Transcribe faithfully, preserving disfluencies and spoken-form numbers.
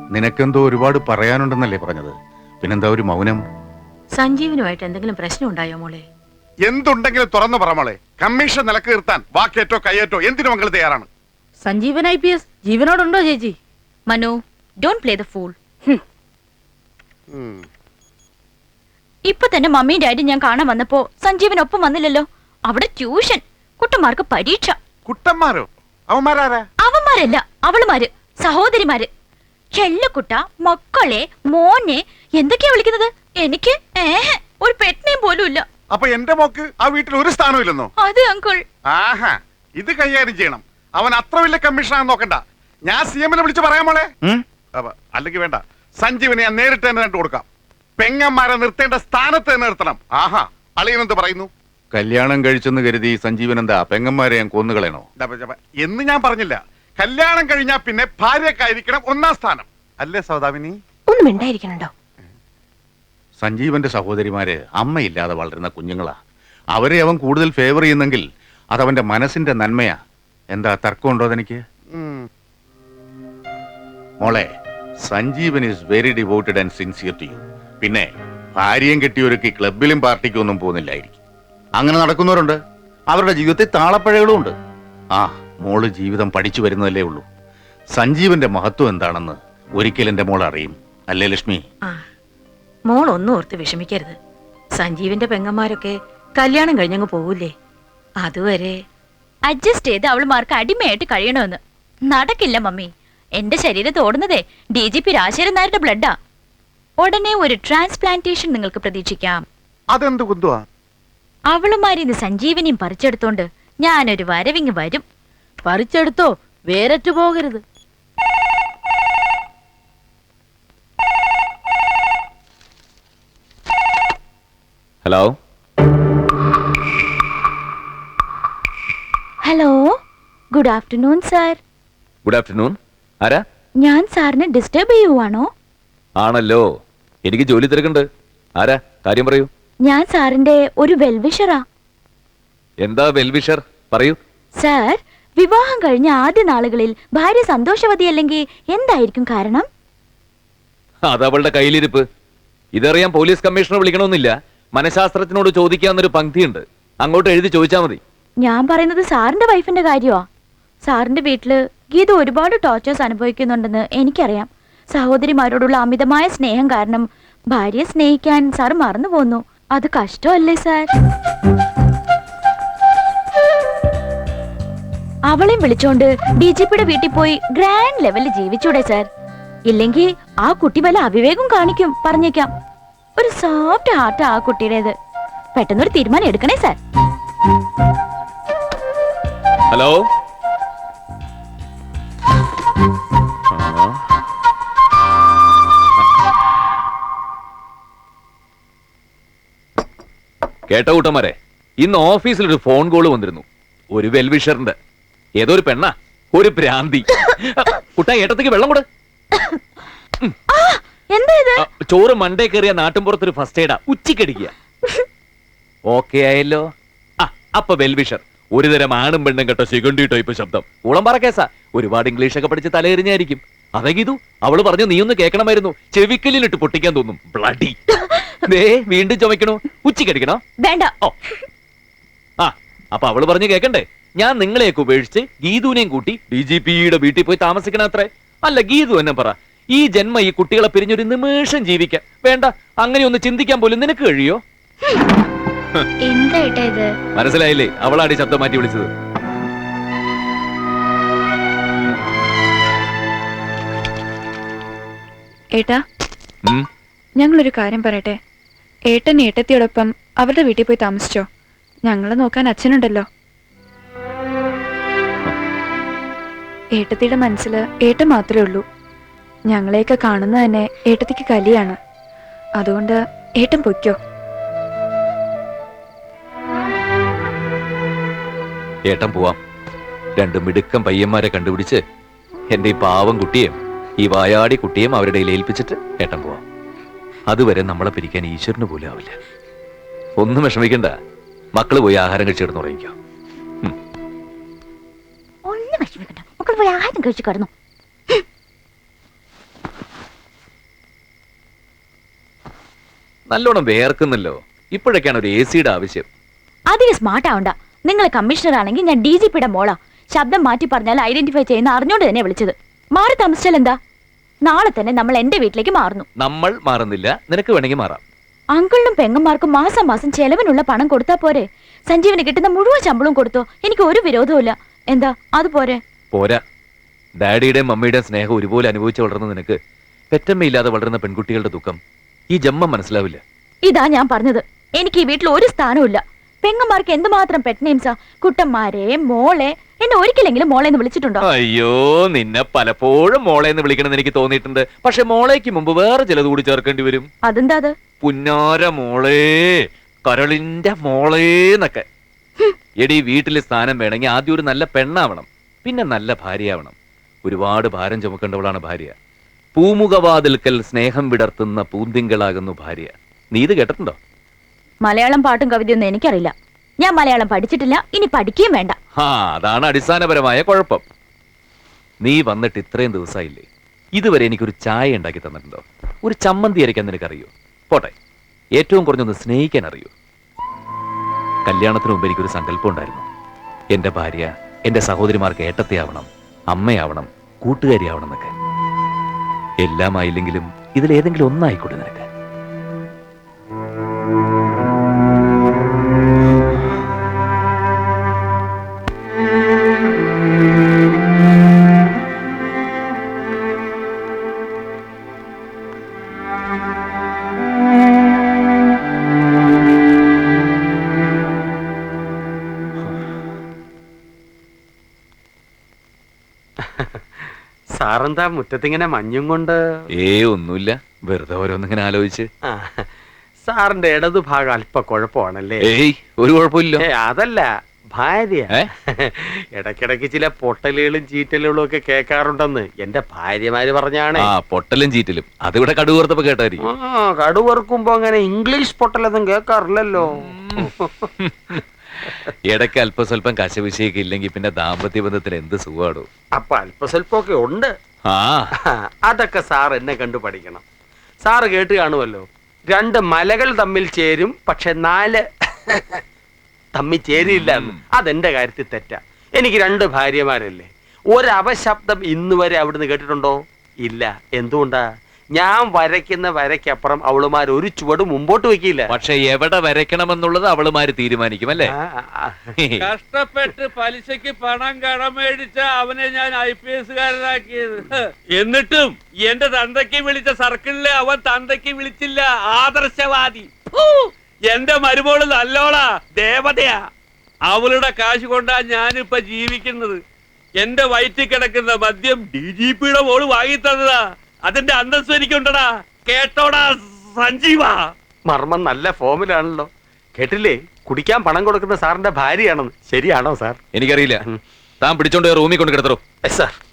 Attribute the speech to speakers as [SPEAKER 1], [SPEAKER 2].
[SPEAKER 1] നിനക്കെന്തോ ഒരുപാട് പറയാനുണ്ടെന്നല്ലേ പറഞ്ഞത്? പിന്നെന്താ ഒരു മൗനം?
[SPEAKER 2] സഞ്ജീവനുമായിട്ട് എന്തെങ്കിലും പ്രശ്നം ഉണ്ടായോ മോളെ?
[SPEAKER 3] എന്തുണ്ടെങ്കിലും തുറന്നു പറ മോളെ. കമ്മീഷൻ നിലക്ക് നിർത്താൻ വാക്കേറ്റോ കയ്യേറ്റോ എന്തിനു മംഗൾ തയ്യാറാണ്.
[SPEAKER 4] സഞ്ജീവൻ ഐ പി എസ് ജീവനോടുണ്ടോ ചേച്ചി?
[SPEAKER 2] Manu, don't play the fool. ഇപ്പൊ തന്നെ മമ്മിയും ഡാഡിയും ഞാൻ കാണാൻ വന്നപ്പോ സഞ്ജീവനൊപ്പം വന്നില്ലല്ലോ. അവിടെ ട്യൂഷൻ, കുട്ടന്മാർക്ക് പരീക്ഷ.
[SPEAKER 3] കുട്ടന്മാരോ? അവന്മാരാരാ?
[SPEAKER 2] അവന്മാരല്ല, അവളുമാര്, സഹോദരിമാര്. ചെല്ലക്കുട്ട, മക്കളെ, മോനെ എന്തൊക്കെയാ വിളിക്കുന്നത്? എനിക്ക് ഏഹ് ഒരു പെറ്റിനെയും പോലും ഇല്ല.
[SPEAKER 3] അപ്പൊ എന്റെ മോക്ക് ആ വീട്ടിൽ ഒരു സ്ഥാനവും ഇല്ലെന്നോ?
[SPEAKER 2] അതെ അങ്കിൾ.
[SPEAKER 3] ആഹാ, ഇത് കൈകാര്യം ചെയ്യണം. അവൻ അത്ര വലിയ കമ്മീഷനാണെന്ന് നോക്കണ്ട. ഞാൻ സി എമ്മിനെ വിളിച്ച് പറയാൻ മോളെ. അല്ലെങ്കിൽ വേണ്ട, സഞ്ജീവനെ ഞാൻ നേരിട്ട് തന്നെ കണ്ടു കൊടുക്കാം. പെങ്ങന്മാരെ നിർത്തേണ്ട സ്ഥാനത്ത് തന്നെ നിർത്തണം. ആഹാ, അളിയനെന്ത് പറയുന്നു?
[SPEAKER 1] കല്യാണം കഴിച്ചെന്ന് കരുതി സഞ്ജീവൻ എന്താ പെങ്ങന്മാരെ ഞാൻ കൊന്നുകളയണോ
[SPEAKER 3] എന്ന് ഞാൻ പറഞ്ഞില്ല. കല്യാണം കഴിഞ്ഞാ പിന്നെ ഭാര്യക്കായിരിക്കണം ഒന്നാം സ്ഥാനം, അല്ലേ സൗദാമിനി?
[SPEAKER 2] ഒന്നും ഉണ്ടായിരിക്കണോ?
[SPEAKER 1] സഞ്ജീവന്റെ സഹോദരിമാര് അമ്മയില്ലാതെ വളരുന്ന കുഞ്ഞുങ്ങളാ. അവരെ അവൻ കൂടുതൽ ഫേവർ ചെയ്യുന്നെങ്കിൽ അതവന്റെ മനസ്സിന്റെ നന്മയാ. എന്താ തർക്കമുണ്ടോ അതെനിക്ക്? മോളെ, Sanjeevan is very devoted and sincere to you. പിന്നെ ഭാര്യയും കെട്ടിയൊരുക്കി ക്ലബിലും പാർട്ടിക്കും ഒന്നും പോകുന്നില്ലായിരിക്കും. അങ്ങനെ നടക്കുന്നവരുണ്ട്. അവരുടെ ജീവിതത്തിൽ താളപ്പഴകളും ഉണ്ട്. ആ, മോള് ജീവിതം പഠിച്ചു വരുന്നതല്ലേ ഉള്ളൂ. സഞ്ജീവന്റെ മഹത്വം എന്താണെന്ന് ഒരിക്കൽ എന്റെ മോൾ അറിയും, അല്ലേ ലക്ഷ്മി?
[SPEAKER 2] മോൾ ഒന്നും ഓർത്ത് വിഷമിക്കരുത്. സഞ്ജീവിന്റെ പെങ്ങന്മാരൊക്കെ കല്യാണം കഴിഞ്ഞങ്ങ് പോവൂലേ. അതുവരെ അഡ്ജസ്റ്റ് ചെയ്ത് അവളുമാർക്ക് അടിമയായിട്ട് കഴിയണമെന്ന് നടക്കില്ല മമ്മി. എന്റെ ശരീരത്ത് ഓടുന്നതേ ഡി ജി പി രാജശേഖരൻ നായരുടെ ബ്ലഡാ. ഉടനെ ഒരു ട്രാൻസ്പ്ലാന്റേഷൻ നിങ്ങൾക്ക് പ്രതീക്ഷിക്കാം.
[SPEAKER 3] അതെന്ത് കുന്തുവാ?
[SPEAKER 2] അവളുമാരിന്ന് സഞ്ജീവനിയും പറിച്ചെടുത്തോണ്ട് ഞാനൊരു വരവിങ് വരും.
[SPEAKER 4] പറിച്ചെടുത്തോ, വേരറ്റു പോകരുത്.
[SPEAKER 5] Hello
[SPEAKER 2] hello, good afternoon sir.
[SPEAKER 5] Good afternoon. ആരാ?
[SPEAKER 2] ഞാൻ സാറിനെ ഡിസ്റ്റർബ് ചെയ്യുവാണോ?
[SPEAKER 5] ആണല്ലോ, എനിക്ക് ജോലി തിരക്കുണ്ട്. ആരാ? കാര്യം പറയൂ.
[SPEAKER 2] ഞാൻ സാറിന്റെ ഒരു വെൽവിഷറാ.
[SPEAKER 5] എന്താ വെൽവിഷർ? പറയൂ.
[SPEAKER 2] സാർ, വിവാഹം കഴിഞ്ഞ ആദ്യ നാളുകളിൽ ഭാര്യ സന്തോഷവതിയല്ലെങ്കിൽ എന്തായിരിക്കും കാരണം?
[SPEAKER 5] അതവളുടെ കയ്യിലിരിപ്പ്. ഇതറിയാൻ പോലീസ് കമ്മീഷണർ വിളിക്കണമെന്നില്ല. മനഃശാസ്ത്രത്തിനോട് ചോദിക്കാന്നൊരു പങ്ക്തിയുണ്ട്, അങ്ങോട്ട് എഴുതി ചോദിച്ചാൽ മതി.
[SPEAKER 2] ഞാൻ പറയുന്നത് സാറിന്റെ വൈഫിന്റെ കാര്യമാ. സാറിന്റെ വീട്ടില് ഗീത ഒരുപാട് ടോർച്ചേഴ്സ് അനുഭവിക്കുന്നുണ്ടെന്ന് എനിക്കറിയാം. സഹോദരിമാരോടുള്ള അമിതമായ സ്നേഹം കാരണം ഭാര്യയെ സ്നേഹിക്കാൻ സാർ മറന്നു പോന്നു. അത് കഷ്ടമല്ലേ സാർ? അവളെയും വിളിച്ചോണ്ട് ഡി ജി പിയുടെ വീട്ടിൽ പോയി ഗ്രാൻഡ് ലെവലിൽ ജീവിച്ചൂടെ സാർ? ഇല്ലെങ്കിൽ ആ കുട്ടി വല്ല അവിവേകം കാണിക്കും, പറഞ്ഞേക്കാം. ഒരു സോഫ്റ്റ് ഹാർട്ട് ആ കുട്ടിയുടേത്. പെട്ടെന്നൊരു തീരുമാനം എടുക്കണേ സാർ.
[SPEAKER 5] ഹലോ. കേട്ട കൂട്ടന്മാരെ, ഇന്ന് ഓഫീസിൽ ഒരു ഫോൺ കോള് വന്നിരുന്നു. ഒരു വെൽവിഷറിന്റെ. ഏതോ ഒരു പെണ്ണ, ഒരു ഭ്രാന്തി. കുട്ടാ, ഏട്ടത്തേക്ക് വെള്ളം കൂടെ. ചോറ് മണ്ടേ കയറിയ നാട്ടിൻപുറത്തൊരു ഫസ്റ്റ് എയ്ഡാ, ഉച്ചക്കടിക്കുക. ഓക്കെ ആയല്ലോ. ആ, അപ്പൊ വെൽവിഷർ ഒരു തരം ആണും പെണ്ണും കേട്ടോ സിഗണ്ടി ടൈപ്പ് ശബ്ദം. ഉളംപാറ കേസാ. ഒരുപാട് ഇംഗ്ലീഷ് ഒക്കെ പഠിച്ച് തലയെറിഞ്ഞായിരിക്കും. അതെങ്കിതു അവള് പറഞ്ഞു, നീ ഒന്ന് കേൾക്കണമായിരുന്നു. ചെവിക്കല്ലിലിട്ട് പൊട്ടിക്കാൻ തോന്നും. ബ്ലഡി. ദേ വീണ്ടും ചുമക്കണോ? ഉച്ചക്കടിക്കണോ?
[SPEAKER 2] വേണ്ട.
[SPEAKER 5] ഓ, ആ, അപ്പൊ അവള് പറഞ്ഞു കേക്കണ്ടേ? ഞാൻ നിങ്ങളെയൊക്കെ ഉപേക്ഷിച്ച് ഗീതുവിനെയും കൂട്ടി ഡി ജി പിയുടെ വീട്ടിൽ പോയി താമസിക്കണം അത്രേ. അല്ല, ഗീതു എന്നെ പറ, ഈ ജന്മ ഈ കുട്ടികളെ പിരിഞ്ഞൊരു നിമിഷം ജീവിക്കാൻ വേണ്ട, അങ്ങനെ ഒന്ന് ചിന്തിക്കാൻ പോലും നിനക്ക് കഴിയോ? മനസ്സിലായില്ലേ? അവളാടി ശബ്ദം മാറ്റി വിളിച്ചത്.
[SPEAKER 6] ഏട്ടാ, ഞങ്ങളൊരു കാര്യം പറയട്ടെ. ഏട്ടൻ ഏട്ടത്തിയോടൊപ്പം അവരുടെ വീട്ടിൽ പോയി താമസിച്ചോ? ഞങ്ങളെ നോക്കാൻ അച്ഛനുണ്ടല്ലോ. ഏട്ടത്തിയുടെ മനസ്സിൽ ഏട്ടൻ മാത്രമേ ഉള്ളൂ. ഞങ്ങളെയൊക്കെ കാണുന്നത് തന്നെ ഏട്ടത്തിക്ക് കലിയാണ്. അതുകൊണ്ട് ഏട്ടൻ പൊയ്ക്കോ.
[SPEAKER 5] ഏട്ടൻ പോവാം. രണ്ട് മിടുക്കം പയ്യന്മാരെ കണ്ടുപിടിച്ച് എന്റെ ഈ പാവം കുട്ടിയെയും ഈ വായാടി കുട്ടിയെയും അവരുടെ ഏൽപ്പിച്ചിട്ട് ഏട്ടൻ പോവാം. അതുവരെ നമ്മളെ പിരിക്കാൻ ഈശ്വരന് പോലും ആവില്ല. ഒന്നും വിഷമിക്കണ്ട. മക്കള് പോയി ആഹാരം കഴിച്ചു കിടന്നു ഉറങ്ങിക്കോ.
[SPEAKER 2] ഒന്നും വിഷമിക്കണ്ട, മക്കൾ പോയി ആഹാരം കഴിച്ചു കിടന്നു.
[SPEAKER 5] നല്ലോണം വേർക്കുന്നല്ലോ. ഇപ്പോഴൊക്കെയാണ് ഒരു എ സിയുടെ ആവശ്യം.
[SPEAKER 2] അധികം സ്മാർട്ട് ആവണ്ട. നിങ്ങൾ കമ്മീഷണർ ആണെങ്കിൽ ഞാൻ ഡി ജി പിയുടെ മോളാ. ശബ്ദം മാറ്റി പറഞ്ഞാൽ ഐഡന്റിഫൈ ചെയ്യുന്ന അറിഞ്ഞോണ്ട് തന്നെ വിളിച്ചത്. മാറി താമസിച്ചാൽ എന്താ? നാളെ തന്നെ നമ്മൾ എന്റെ വീട്ടിലേക്ക് മാറുന്നു.
[SPEAKER 5] നമ്മൾ മാറുന്നില്ല, നിനക്ക് വേണമെങ്കിൽ മാറാം.
[SPEAKER 2] അങ്കിളിനും പെങ്ങന്മാർക്കും മാസം മാസം ചെലവിനുള്ള പണം കൊടുത്താ പോരെ? സഞ്ജീവന് കിട്ടുന്ന മുഴുവൻ ശമ്പളവും കൊടുത്തോ, എനിക്ക് ഒരു വിരോധവും. എന്താ അത് പോരെ?
[SPEAKER 5] പോരാ. ഡാഡിയുടെയും മമ്മിയുടെയും സ്നേഹം ഒരുപോലെ അനുഭവിച്ച് വളർന്ന നിനക്ക് പെറ്റമ്മയില്ലാതെ വളരുന്ന പെൺകുട്ടികളുടെ ദുഃഖം ഈ ജന്മം മനസ്സിലാവില്ല.
[SPEAKER 2] ഇതാ ഞാൻ പറഞ്ഞത്. എനിക്ക് ഈ വീട്ടിൽ ഒരു സ്ഥാനവും. പെങ്ങന്മാർക്ക് എന്തുമാത്രം പെറ്റ് നെയിംസാ. കുട്ടന്മാരെ, മോളെ. എന്നെ ഒരിക്കലെങ്കിലും മോളെ എന്ന് വിളിച്ചിട്ടുണ്ടോ?
[SPEAKER 5] അയ്യോ, നിന്നെ പലപ്പോഴും മോളെ എന്ന് വിളിക്കണമെന്ന് എനിക്ക് തോന്നിയിട്ടുണ്ട്. പക്ഷെ മോളേക്ക് മുമ്പ് വേറെ ചിലത് കൂടി ചേർക്കേണ്ടി വരും.
[SPEAKER 2] അതെന്താ അത്?
[SPEAKER 5] പുന്നാര മോളേ, കരളിന്റെ മോളേന്നൊക്കെ. എടി, വീട്ടിലെ സ്ഥാനം വേണമെങ്കിൽ ആദ്യം ഒരു നല്ല പെണ്ണാവണം, പിന്നെ നല്ല ഭാര്യയാവണം. ഒരുപാട് ഭാരം ചുമക്കേണ്ടവളാണ് ഭാര്യ. പൂമുഖവാതിൽക്കൽ സ്നേഹം വിടർത്തുന്ന പൂന്തിങ്കളാകുന്നു ഭാര്യ. നീ ഇത് കേട്ടിട്ടുണ്ടോ?
[SPEAKER 2] മലയാളം പാട്ടും കവിതയൊന്നും എനിക്കറിയില്ല. ഞാൻ മലയാളം പഠിച്ചിട്ടില്ല, ഇനി പഠിക്കുകയും വേണ്ട.
[SPEAKER 5] ആ, അതാണ് അടിസ്ഥാനപരമായ കുഴപ്പം. നീ വന്നിട്ട് ഇത്രയും ദിവസമായില്ലേ, ഇതുവരെ എനിക്കൊരു ചായ ഉണ്ടാക്കി തന്നിട്ടുണ്ടോ? ഒരു ചമ്മന്തി അരയ്ക്കാൻ നിനക്കറിയോ? പോട്ടെ, ഏറ്റവും കുറഞ്ഞൊന്ന് സ്നേഹിക്കാൻ അറിയോ? കല്യാണത്തിന് മുമ്പ് എനിക്കൊരു സങ്കല്പം ഉണ്ടായിരുന്നു. എന്റെ ഭാര്യ എന്റെ സഹോദരിമാർക്ക് ഏട്ടത്തെയാവണം, അമ്മയാവണം, കൂട്ടുകാരിയാവണം എന്നൊക്കെ. എല്ലാം ആയില്ലെങ്കിലും ഇതിലേതെങ്കിലും ഒന്നായിക്കോട്ടെ നിനക്ക്.
[SPEAKER 7] സാറെന്താ മുറ്റത്തിങ്ങനെ മഞ്ഞും കൊണ്ട്?
[SPEAKER 5] ഏ ഒന്നുമില്ല, വെറുതെ ഓരോന്നിങ്ങനെ ആലോചിച്ച്.
[SPEAKER 7] ആ, സാറിന്റെ ഇടതു ഭാഗം അല്പ കുഴപ്പമാണല്ലേ?
[SPEAKER 5] ഏയ്, ഒരു കുഴപ്പമില്ല.
[SPEAKER 7] ഏ, അതല്ല ഭാര്യ.
[SPEAKER 5] ഏ?
[SPEAKER 7] ഇടയ്ക്കിടയ്ക്ക് ചില പൊട്ടലുകളും ചീറ്റലുകളും ഒക്കെ കേൾക്കാറുണ്ടെന്ന് എന്റെ ഭാര്യമാര് പറഞ്ഞാണ്.
[SPEAKER 5] ആ, പൊട്ടലും ചീറ്റലും അതിവിടെ കടുകൂർത്തപ്പോ കേട്ടായിരിക്കും.
[SPEAKER 7] ആ, കടുവറുക്കുമ്പോ അങ്ങനെ ഇംഗ്ലീഷ് പൊട്ടലൊന്നും കേൾക്കാറില്ലല്ലോ.
[SPEAKER 5] ഇടയ്ക്ക് അല്പസ്വല്പം കശവിശയൊക്കെ ഇല്ലെങ്കിൽ പിന്നെ ദാമ്പത്യ ബന്ധത്തിന് എന്ത് സുഖാടോ.
[SPEAKER 7] അപ്പൊ അല്പസ്വല്പമൊക്കെ ഉണ്ട്.
[SPEAKER 5] ആ,
[SPEAKER 7] അതൊക്കെ സാർ എന്നെ കണ്ടു പഠിക്കണം. സാറ് കേട്ട് കാണുമല്ലോ, രണ്ട് മലകൾ തമ്മിൽ ചേരും പക്ഷെ നാല് തമ്മിൽ ചേരില്ല എന്ന്. അതെന്റെ കാര്യത്തിൽ തെറ്റാ. എനിക്ക് രണ്ട് ഭാര്യമാരല്ലേ. ഒരവശബ്ദം ഇന്ന് വരെ അവിടുന്ന് കേട്ടിട്ടുണ്ടോ? ഇല്ല. എന്തുകൊണ്ടാ? ഞാൻ വരയ്ക്കുന്ന വരയ്ക്കപ്പുറം അവളുമാർ ഒരു ചുവട് മുമ്പോട്ട് വെക്കില്ല.
[SPEAKER 5] പക്ഷെ എവിടെ വരയ്ക്കണമെന്നുള്ളത് അവളുമാര് തീരുമാനിക്കും അല്ലേ?
[SPEAKER 8] കഷ്ടപ്പെട്ട് പലിശക്ക് പണം കടമേടിച്ച അവനെ ഞാൻ ഐ പി എസ്കാരനാക്കിയത്. എന്നിട്ടും എന്റെ തന്തയ്ക്ക് വിളിച്ച സർക്കിളിലെ അവൻ തന്തയ്ക്ക് വിളിച്ചില്ല. ആദർശവാദി. എന്റെ മരുമോള് നല്ലോളാ, ദേവതയാ. അവളുടെ കാശ് കൊണ്ടാ ഞാനിപ്പൊ ജീവിക്കുന്നത്. എന്റെ വയറ്റിൽ കിടക്കുന്ന മദ്യം ഡി ജി പിയുടെ മോള് വാങ്ങി തന്നതാ. അതിന്റെ അന്തസ്സ് എനിക്കുണ്ടടാ. കേട്ടോടാ സഞ്ജീവ.
[SPEAKER 7] മർമ്മം നല്ല ഫോമിലാണല്ലോ. കേട്ടില്ലേ, കുടിക്കാൻ പണം കൊടുക്കുന്ന സാറിന്റെ ഭാര്യയാണെന്ന്. ശരിയാണോ സാർ?
[SPEAKER 5] എനിക്കറിയില്ല. താൻ പിടിച്ചോണ്ട് റൂമിൽ കൊണ്ട് കിടത്തറോ.
[SPEAKER 7] സാർ